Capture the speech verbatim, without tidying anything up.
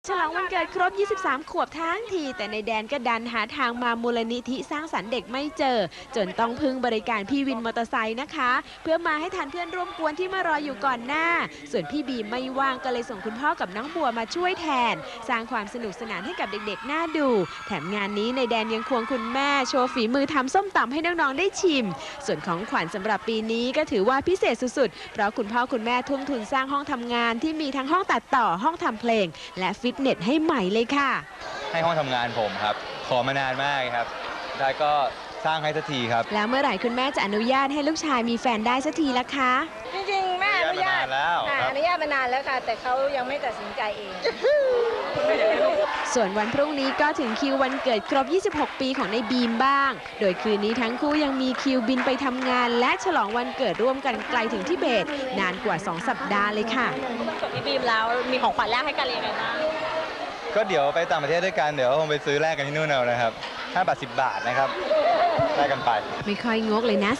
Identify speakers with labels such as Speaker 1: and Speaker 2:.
Speaker 1: ฉลองวันเกิดครบ ยี่สิบสาม ขวบทั้งที แต่ในแดนก็ดันหาทางมามูลนิธิสร้างสรรค์เด็กไม่เจอ จนต้องพึ่งบริการพี่วินมอเตอร์ไซค์นะคะ เพื่อมาให้ทันเพื่อนร่วมกวนที่มารออยู่ก่อนหน้า ส่วนพี่บีมไม่ว่างก็เลยส่งคุณพ่อกับน้องบัวมาช่วยแทน สร้างความสนุกสนานให้กับเด็กๆน่าดู แถมงานนี้ในแดนยังควงคุณแม่โชว์ฝีมือทำส้มตำให้น้องๆได้ชิม ส่วนของขวัญสำหรับปีนี้ก็ถือว่าพิเศษสุดๆ เพราะคุณพ่อคุณแม่ทุ่มทุนสร้างห้องทำงานที่มีทั้งห้องตัดต่อห้องทำเพลงและฟิตเนสให้ใหม่เลยค่ะ
Speaker 2: ให้ห้องทำงานผมครับ ขอมานานมากครับได้ก็สร้างให้สักทีครับ
Speaker 1: แล้วเมื่อไหร่คุณแม่จะอนุญาตให้ลูกชายมีแฟนได้สักทีละคะ
Speaker 3: จริงๆแม่อนุญาต
Speaker 2: แล้ว
Speaker 3: ค่ะ
Speaker 2: ครับ
Speaker 3: อนุญาตมานานแล้วค่ะ แต่เขายังไม่ตัดสินใจเอง
Speaker 1: ส่วนวันพรุ่งนี้ก็ถึงคิววันเกิดครบ ยี่สิบหก ปีของในบีมบ้าง โดยคืนนี้ทั้งคู่ยังมีคิวบินไปทำงาน และฉลองวันเกิดร่วมกันไกลถึงทิเบต นานกว่า สอง สัปดาห์เลยค่ะ
Speaker 4: วันเกิดพี่บีมแล้วมีของขวัญแรกให้กันยังไงบ้าง
Speaker 2: ก็เดี๋ยวไปต่างประเทศด้วยกัน เดี๋ยวคงไปซื้อแลกกันที่นู่นเอานะครับห้าบาทสิบบาทนะครับแลกกันไป
Speaker 1: ไม่ค่อยงกเลยนะ